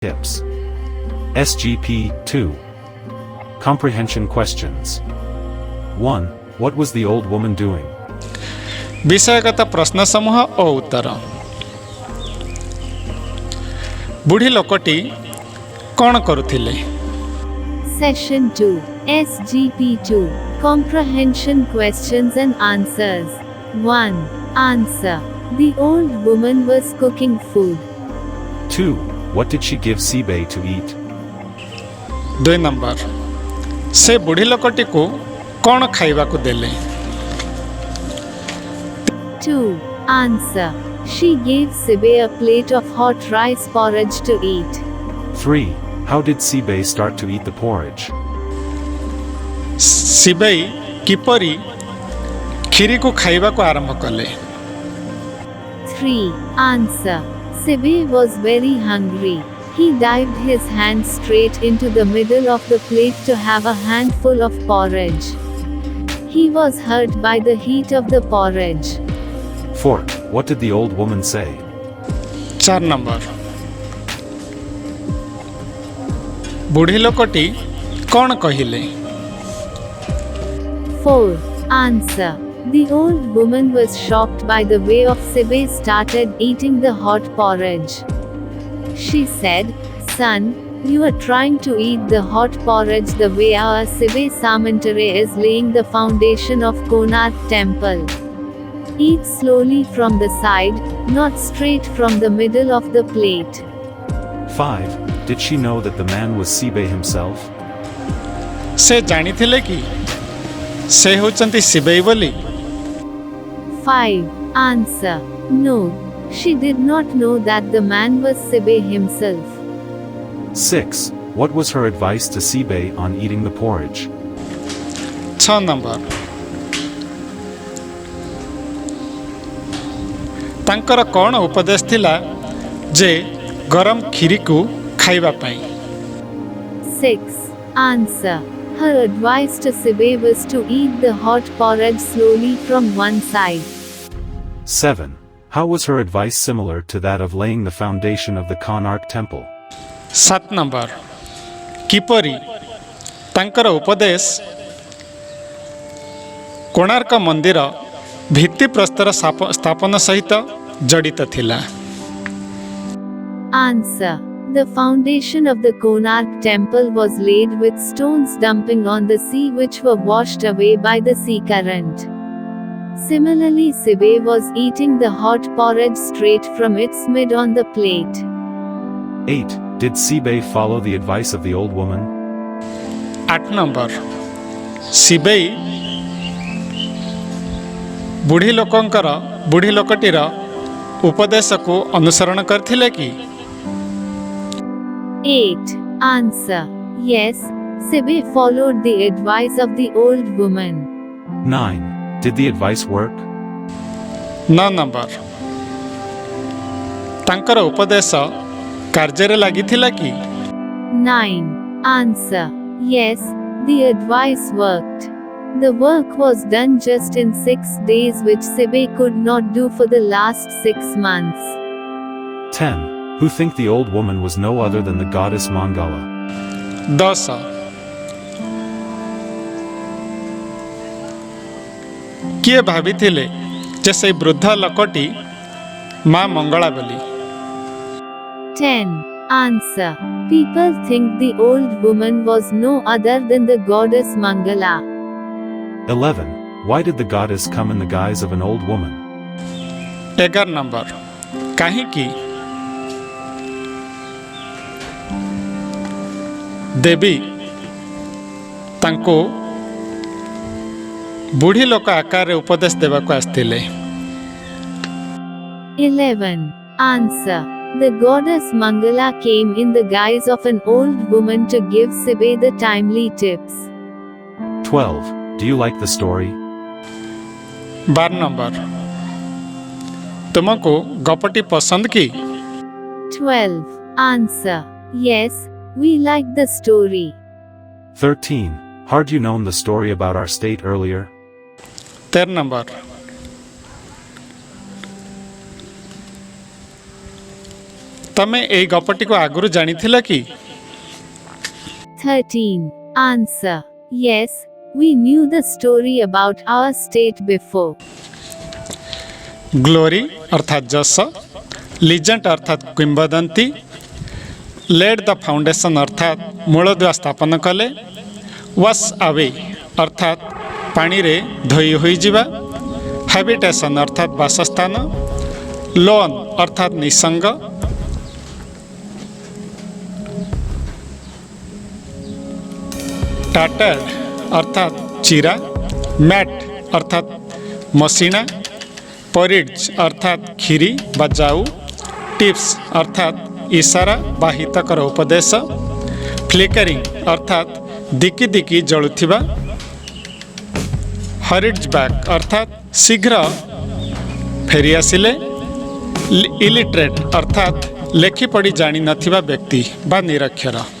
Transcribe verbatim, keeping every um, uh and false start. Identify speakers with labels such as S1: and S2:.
S1: Tips. S G P two. Comprehension questions. one. What was the old woman doing?
S2: विषयगत प्रश्न समूह और उत्तर। बुढ़ी लोकटी कौन करुथिले?
S3: Session two. S G P two. Comprehension questions and answers. one. Answer. The old woman was cooking food.
S1: two. What did she give Sibe to eat?
S2: दुई number से बुढ़ी लोकटी को कौन खाइबा को देले?
S3: two. Answer. She gave Sibe a plate of hot rice porridge to eat.
S1: three. How did Sibe start to eat the porridge?
S2: सिबई किपरी Kheri को खाइबा को आरंभ कले?
S3: three. Answer. Sibe was very hungry. He dived his hand straight into the middle of the plate to have a handful of porridge. He was hurt by the heat of the porridge.
S1: four. What did the old woman say?
S2: चार number बुढ़ी लोकटी कौन कहिले?
S3: four. Answer. The old woman was shocked by the way of Sibe started eating the hot porridge. She said, "Son, you are trying to eat the hot porridge the way our Sibe Samantare is laying the foundation of Konark temple. Eat slowly from the side, not straight from the middle of the plate."
S1: five. Did she know that the man was Sibe himself?
S2: से जानी थिले कि से होचंती सिबई बोली?
S3: five. Answer. No. She did not know that the man was Sibe himself.
S1: six. What was her advice to Sibe on eating the porridge?
S2: छ number तांकर कौन उपदेश थिला जे गरम खीरी को खाइबा पाई?
S3: six. Answer. Her advice to Sibe was to eat the hot porridge slowly from one side.
S1: seven. How was her advice similar to that of laying the foundation of the Konark temple?
S2: सात number किपरी तांकर उपदेश कोणार्क मंदिर भित्ति प्रस्तर स्थापन सहित जड़ित थिला?
S3: Answer. The foundation of the Konark temple was laid with stones dumping on the sea which were washed away by the sea current. Similarly, Sibe was eating the hot porridge straight from its mid on the plate.
S1: eight. Did Sibe follow the advice of the old woman?
S2: आठ number सिबई बुढ़ी लोकंकर बुढ़ी लोकटीर उपदेश को अनुसरण करथिले कि?
S3: eight. Answer. Yes, Sibe followed the advice of the old woman.
S1: nine. Did the advice work?
S2: नौ नंबर तांकर उपदेश कार्य लागिथिला कि?
S3: nine. Answer. Yes, the advice worked. The work was done just in six days, which Sibe could not do for the last six months.
S1: ten. Who think the old woman was no other than the goddess Mangala?
S2: दस किए भाविथिले जे से वृद्ध लोकटी मां मंगला बोली?
S3: ten. Answer. People think the old woman was no other than the goddess Mangala.
S1: eleven. Why did the goddess come in the guise of an old woman?
S2: एगार number काहे कि देवी तांको बुढ़ी लोक आकार उपदेश देवा को आस्थिले?
S3: eleven. Answer. The goddess Mangala came in the guise of an old woman to give Sibe the timely tips.
S1: twelve. Do you like the story?
S2: बार नंबर तुमको गपटी पसंद की?
S3: twelve. Answer. Yes, we like the story.
S1: thirteen. Had you known the story about our state earlier?
S2: तेरह number ତମେ ଏଇ ଗପଟିକୁ ଆଗରୁ ଜାଣିଥିଲ କି?
S3: thirteen. Answer. Yes, we knew the story about our state before.
S2: Glory ଅର୍ଥାତ୍ ଯଶ, ଲିଜେଣ୍ଡ ଅର୍ଥାତ୍ କିମ୍ବଦନ୍ତୀ, lead ଦ foundation ଅର୍ଥାତ୍ ମୂଳଦୁଆ ସ୍ଥାପନ କଲେ, ୱାଶ୍ ଆୱେ ଅର୍ଥାତ୍ ପାଣିରେ ଧୋଇ ହୋଇଯିବା, ହାବିଟେସନ୍ ଅର୍ଥାତ୍ ବାସସ୍ଥାନ, ଲୋନ୍ ଅର୍ଥାତ୍ ନିସଙ୍ଗ, ଟାଟର୍ଡ ଅର୍ଥାତ୍ ଚିରା, ମ୍ୟାଟ୍ ଅର୍ଥାତ୍ ମସିଣା, ପରିଡ୍ଜ ଅର୍ଥାତ୍ କ୍ଷୀରି ବା ଜାଉ, ଟିପ୍ସ ଅର୍ଥାତ୍ ଇସାରା ବା ହିତକର ଉପଦେଶ, ଫ୍ଲିକରିଂ ଅର୍ଥାତ୍ ଦିକି ଦିକି ଜଳୁଥିବା, ହରିଡ୍ଜ ବ୍ୟାକ୍ ଅର୍ଥାତ୍ ଶୀଘ୍ର ଫେରିଆସିଲେ, ଇଲିଟ୍ରେଟ୍ ଅର୍ଥାତ୍ ଲେଖିପଢ଼ି ଜାଣିନଥିବା ବ୍ୟକ୍ତି ବା ନିରକ୍ଷର।